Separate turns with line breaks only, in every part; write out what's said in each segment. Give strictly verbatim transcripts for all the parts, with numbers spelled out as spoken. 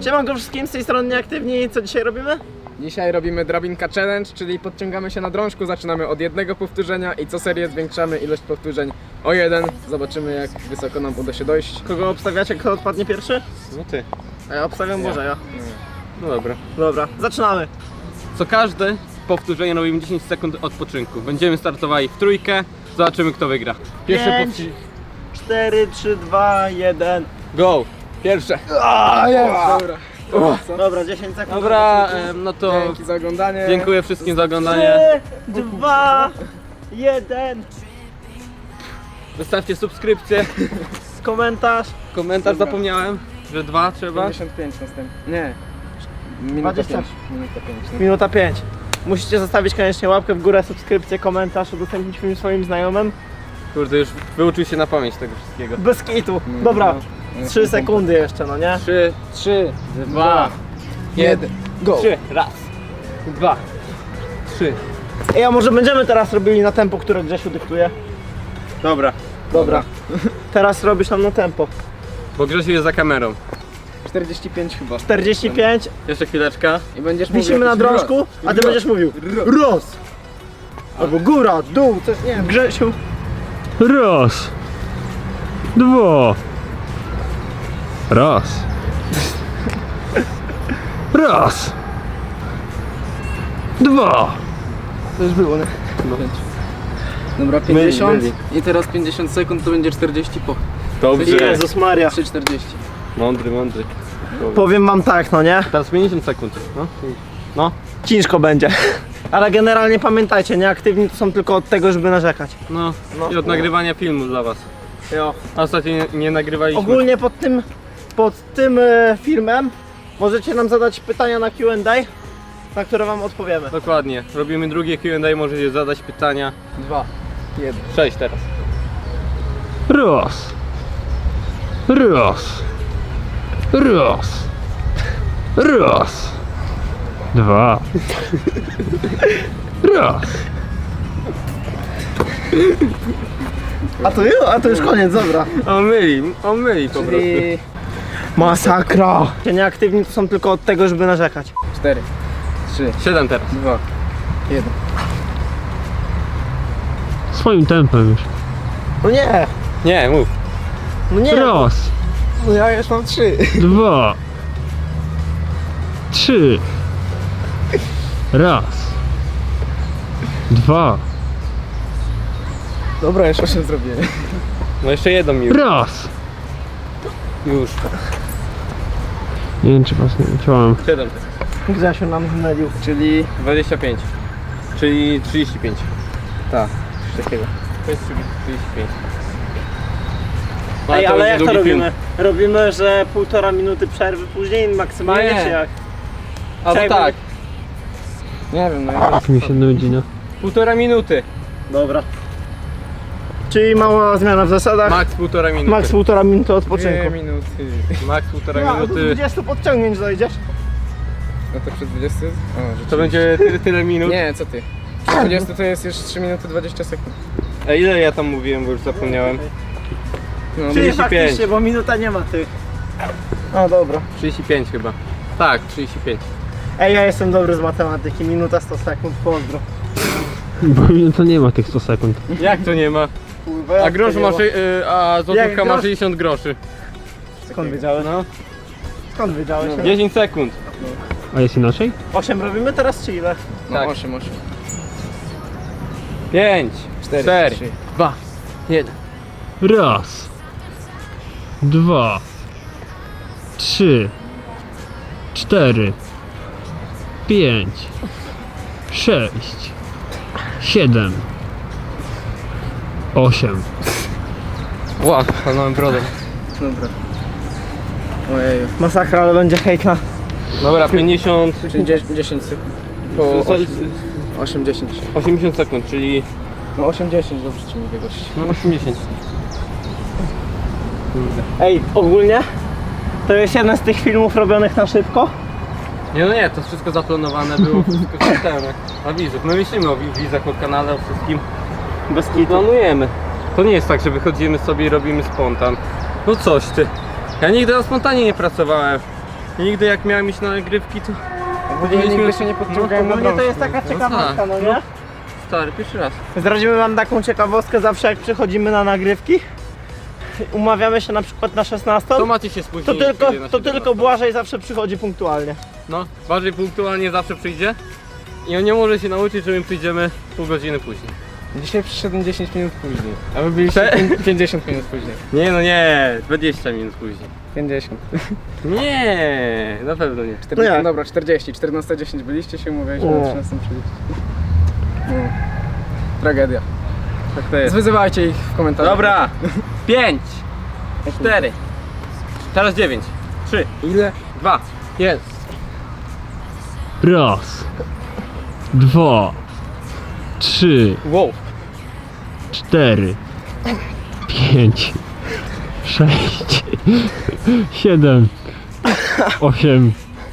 Siemanko wszystkim, z tej strony Nieaktywni. Co dzisiaj robimy?
Dzisiaj robimy drabinka challenge, czyli podciągamy się na drążku, zaczynamy od jednego powtórzenia i co serię zwiększamy ilość powtórzeń o jeden. Zobaczymy, jak wysoko nam uda się dojść.
Kogo obstawiacie, kto odpadnie pierwszy?
No ty.
A ja obstawiam Bożeja.
No dobra.
Dobra, zaczynamy.
Co każde powtórzenie robimy dziesięć sekund odpoczynku. Będziemy startowali w trójkę. Zobaczymy, kto wygra. Pierwsze
Pięć,
powtórzenie.
cztery, trzy, dwa, jeden.
Go! Pierwsze.
A, jest! Dobra. Co?
Dobra, dziesięć sekund.
Dobra, em, no to
Dzięki za oglądanie.
dziękuję wszystkim za oglądanie.
trzy, dwa, jeden.
Wystawcie subskrypcję,
Komentarz.
komentarz
Dobra.
zapomniałem, że dwa trzeba.
pięćdziesiąt pięć następnie. Nie. Minuta
dwadzieścia.
pięć. Minuta pięć.
Minuta pięć. Musicie zostawić koniecznie łapkę w górę, subskrypcję, komentarz, udostępnić film swoim znajomym.
Kurde, już wyuczył się na pamięć tego wszystkiego.
Bez kitu.
No,
Dobra,
no.
trzy sekundy jeszcze, no nie?
Trzy,
trzy,
dwa,
jeden, go!
trzy. Raz, dwa, trzy.
Ej, a może będziemy teraz robili na tempo, które Grzesiu dyktuje?
Dobra,
Dobra. Teraz robisz nam na tempo.
bo Grzesiu jest za kamerą.
czterdzieści pięć chyba.
czterdzieści pięć.
Jeszcze chwileczka.
I będziesz mówił
Wisimy na
jakiś
drążku,
ro-
a ty
ro-
będziesz mówił
ro-
roz. Albo góra, dół, coś, nie wiem, Grzesiu.
Raz. Dwa. Raz. Raz. Dwa.
To już było, nie? Dobra, pięćdziesiąt i teraz pięćdziesiąt sekund to będzie czterdzieści po.
Dobrze.
Jezus Maria.
trzy czterdzieści.
Mądry, mądry.
Powiem wam tak, no nie?
Teraz pięćdziesiąt sekund. No. No.
Ciężko będzie. Ale generalnie pamiętajcie, nieaktywni to są tylko od tego, żeby narzekać.
No.
No.
I od nagrywania filmu dla was.
Jo.
A ostatnio nie, nie nagrywaliśmy.
Ogólnie pod tym, pod tym e, filmem możecie nam zadać pytania na Q and A, na które wam odpowiemy.
Dokładnie. Robimy drugie Q and A, możecie zadać pytania.
dwa, jeden.
Sześć teraz.
Raz. Raz. Raz. Raz. Dwa. Raz.
A to już, a to już koniec, dobra.
On myli, on myli po prostu.
Czyli
Masakra! Nieaktywni to są tylko od tego, żeby narzekać.
cztery, trzy,
Siedem teraz.
dwa, jeden.
Swoim tempem już.
No nie,
Nie, mów.
no nie.
Raz.
No ja już mam trzy.
Dwa. Trzy. Raz. Dwa.
Dobra, już osiem zrobiłem.
No jeszcze jedną mi już.
Raz.
Już.
Nie wiem, czy was nie chciałem.
Siedem teraz.
Grzesiu nam zmylił.
Czyli
dwadzieścia pięć. Czyli trzydzieści pięć.
tak, coś takiego.
To jest trzydzieści pięć.
Ej, ale jak to
długi film.
robimy? Robimy, że półtora minuty przerwy później maksymalnie,
Nie.
czy jak?
Albo
Czekaj,
tak.
Nie wiem, no ja
Jak mi się nudzi, no.
Półtora minuty.
Dobra. Czyli mała zmiana w zasadach.
Max półtora minuty.
Max półtora minuty
dwie
odpoczynku.
minuty.
Max półtora
Ja, do
minuty.
dwudziestu podciągnięć dojdziesz.
No to przed dwudziestą? O, rzeczywiście.
To będzie tyle, tyle minut.
Nie, co ty? Przed dwudziestą to jest już trzy minuty dwadzieścia sekund.
A ile ja tam mówiłem, bo już zapomniałem.
No,
Czyli
trzydzieści pięć.
faktycznie, bo minuta nie ma tych. No dobra.
trzydzieści pięć chyba. Tak, trzydzieści pięć.
Ej, ja jestem dobry z matematyki. Minuta sto sekund, pozdro.
Bo to nie ma tych sto sekund.
Jak to nie ma?
Kurwa, jak
A grosz
to nie
ma,
ma?
szy- y, a
Jak
złotówka ma
grosz?
sześćdziesiąt groszy.
Skąd wiedziałeś?
No.
Skąd wiedziałeś?
dziesięć sekund.
A jest inaczej?
osiem robimy teraz czy ile?
No
Tak.
osiem, osiem.
pięć,
cztery,
cztery,
trzy.
dwa, jeden.
Raz. Dwa. Trzy. Cztery. Pięć. Sześć. Siedem. Osiem.
Ła, palnąłem brodę.
Dobra. Ojeju.
Masakra, ale będzie hejt na...
Dobra, pięćdziesiąt,
Czyli dziesięć sekund. Po
co-
osiem, dziesięć.
osiemdziesiąt sekund, czyli
No osiem, dziesięć, dobrze ci mówię gość.
no osiemdziesiąt.
Ej, ogólnie to jest jeden z tych filmów robionych na szybko.
Nie no nie, to wszystko zaplanowane było, wszystko systemem, jak na widzów. My myślimy o wi- widzach, o kanale, o wszystkim.
Bez
I
kitu.
planujemy. To nie jest tak, że wychodzimy sobie i robimy spontan. No coś ty. Ja nigdy na spontanie nie pracowałem. Nigdy jak miałem iść na nagrywki, to
Ogólnie nigdy się nie podciągałem na
Ogólnie to
drążku.
jest taka ciekawostka, no nie?
stary, pierwszy raz.
Zdradzimy wam taką ciekawostkę zawsze jak przychodzimy na nagrywki. Umawiamy się na przykład na szesnastą.
To macie się spóźnić.
To tylko,
kiedy na
to
siebie
tylko
nastąpi.
Błażej zawsze przychodzi punktualnie.
No, bardziej punktualnie zawsze przyjdzie. I on nie może się nauczyć, że my przyjdziemy pół godziny później.
Dzisiaj przyszedłem dziesięć minut później, a wy byliście
Cze-
pię- pięćdziesiąt minut później.
Nie no nie, dwadzieścia minut później.
pięćdziesiąt.
Nie, na pewno nie.
czterdzieści,
No jak?
dobra, czterdzieści. czternaście dziesięć byliście się, mówiliśmy
O.
na trzynastą trzydzieści. No. Tragedia.
Tak to jest.
Zwyzywajcie ich w komentarzach.
Dobra, pięć, cztery, teraz dziewięć, trzy,
Ile?
dwa, jest.
Raz, dwa, trzy,
Wow.
cztery, pięć, sześć, siedem, osiem,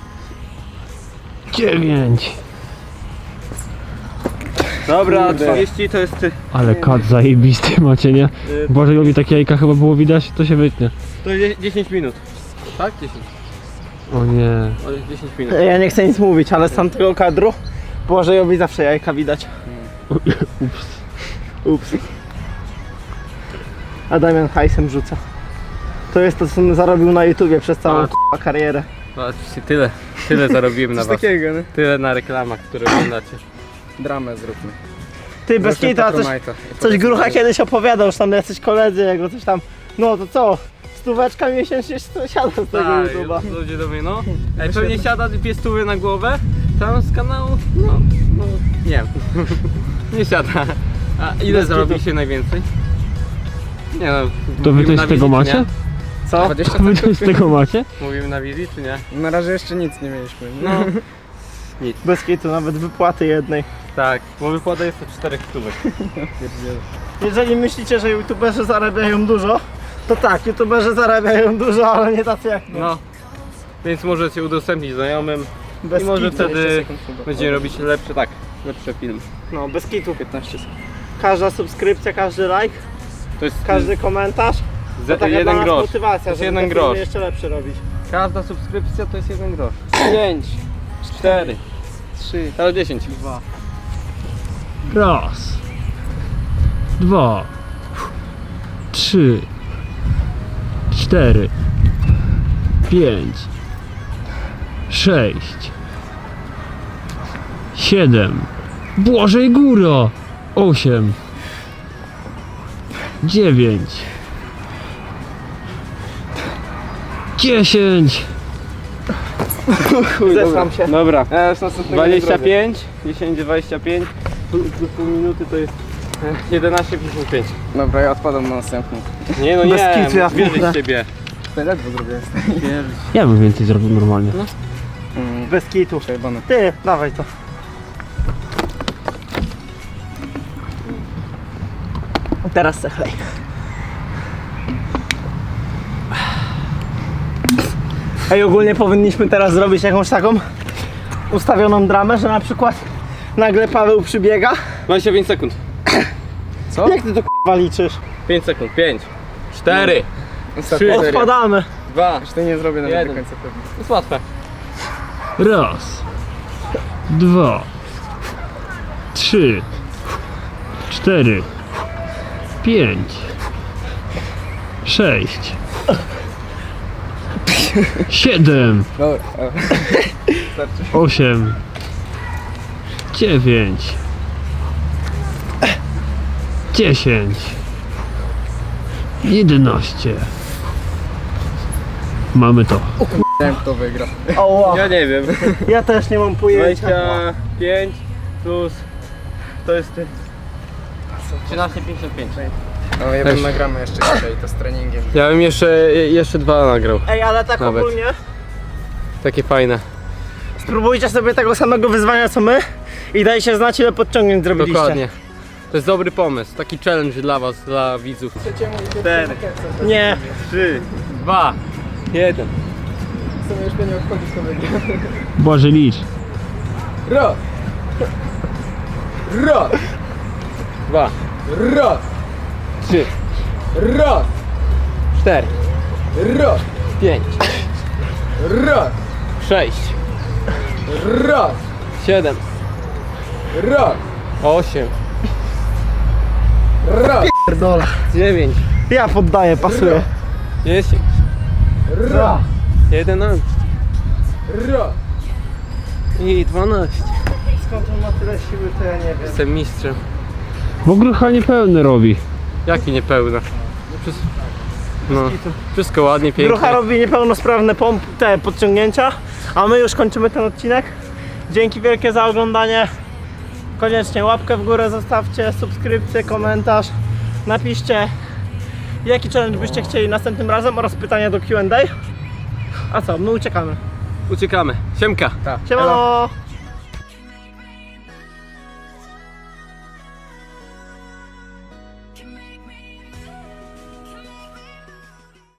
dziewięć.
Dobra,
Kurde.
trzydzieści to jest,
Ale kat zajebisty macie, nie? Bożejowi takie jajka chyba było widać, to się wytnie.
to jest dziesięć minut. Tak? dziesięć.
O nie.
O, dziesięć minut.
Ja nie chcę nic mówić, ale z tamtego kadru Błażejowi zawsze jajka widać.
Ups.
Ups. A Damian hajsem rzuca. To jest to, co on zarobił na YouTubie przez całą
A.
k***a karierę.
Patrzcie, tyle, tyle zarobiłem na
Coś
was.
takiego, nie?
Tyle na reklamach, które oglądacie.
Dramę zróbmy.
Ty, bez
Zróbmy
kita, coś,
Patronite'a.
coś Grucha kiedyś opowiadał, że tam jacyś koledzy jego coś tam, no to co, stóweczka miesięcznie siada z tego
Tak,
YouTube'a.
ludzie do mnie, no. Ej, pewnie siada dwie stówy na głowę, tam z kanału, no, no, nie wiem. Nie siada. A ile
Bez
zarobiliście najwięcej? Nie no.
To wy
mówimy
coś
na
z tego
wizji, czy
macie?
Co?
dwadzieścia
Wy coś z
centów?
tego macie?
nie? Mówimy na wizji, czy nie?
Na razie jeszcze nic nie mieliśmy.
No. Nic.
Bez kitu, nawet wypłaty jednej.
Tak, bo wypłata jest to czterech stówek.
Jeżeli myślicie, że YouTuberzy zarabiają dużo, to tak, YouTuberzy zarabiają dużo, ale nie tacy jak my.
No. Więc możecie udostępnić znajomym
Bez
i może
kitu.
wtedy
sekund chyba.
będziemy robić lepsze, tak, lepsze filmy.
No, bez kitu piętnaście sekund. Każda subskrypcja, każdy like,
To jest
każdy komentarz, to
z,
taka dla
jeden
nas
grosz.
motywacja,
To jest
żeby
jeden
te filmy
grosz.
jeszcze lepsze robić.
Każda subskrypcja to jest jeden grosz. Pięć, cztery,
Trzy.
teraz dziesięć.
Dwa.
Raz, dwa, trzy, cztery, pięć, sześć, siedem, Błażej góra, osiem, dziewięć, dziesięć.
Zesłam się.
Dobra.
Ja już następnego nie
dwadzieścia
zrobię.
pięć, dziesięć, dwadzieścia pięć plus plus pół minuty to jest e, jedenaście pięćdziesiąt pięć.
Dobra, ja odpadam na następny.
Nie no
Bez
nie,
kitu, ja
wierzę
kurde.
w ciebie.
To ledwo zrobiłem.
Ja bym więcej zrobił normalnie.
Mm,
Bez kitu.
Przejebane.
Ty, dawaj to. Teraz se chlej. Ej, ogólnie powinniśmy teraz zrobić jakąś taką ustawioną dramę, że na przykład nagle Paweł przybiega.
dwadzieścia pięć sekund.
Co?
Jak ty to k***a liczysz?
pięć sekund. pięć, cztery,
Ostatnia
Trzy.
seria.
Odpadamy.
dwa.
Już to nie zrobię nawet
Jeden.
do końca pewnie.
To jest łatwe.
Raz, dwa, trzy, cztery, pięć, sześć, siedem,
Dobra. o. Starczy.
osiem, dziewięć, dziesięć, jedenaście. Mamy to.
Nie wiem kto wygra.
Oła,
Ja nie wiem.
ja też nie mam pojęcia.
dwadzieścia pięć plus to jest trzynaście pięćdziesiąt pięć.
No jeden
Też.
nagramy jeszcze dzisiaj, to z treningiem.
Ja bym jeszcze, jeszcze dwa nagrał.
Ej, ale tak
Nawet.
ogólnie,
Takie fajne.
spróbujcie sobie tego samego wyzwania co my i dajcie znać ile podciągnięć zrobiliście.
Dokładnie. To jest dobry pomysł. Taki challenge dla was, dla widzów. cztery,
Nie,
trzy, dwa, jeden.
W sumie już mnie nie odchodzi kto wygra.
Boże licz.
Raz! Raz!
dwa,
Raz!
trzy,
Raz!
cztery,
Raz!
pięć,
Raz!
sześć,
Raz,
siedem,
raz,
osiem,
raz,
Pierdolę.
dziewięć,
Ja poddaję, pasuję.
dziesięć,
raz,
jedenaście
raz.
i dwanaście.
Skąd on ma tyle siły, to ja nie wiem.
Jestem mistrzem.
W ogóle chyba niepełny robi.
Jaki niepełny? Wszystko, no, wszystko ładnie, pięknie.
Grucha robi niepełnosprawne pomp, te podciągnięcia, a my już kończymy ten odcinek. Dzięki wielkie za oglądanie. Koniecznie łapkę w górę zostawcie, subskrypcję, komentarz. Napiszcie, jaki challenge byście chcieli następnym razem oraz pytania do Q and A. A co, my uciekamy.
Uciekamy. Siemka.
Tak.
Siemano!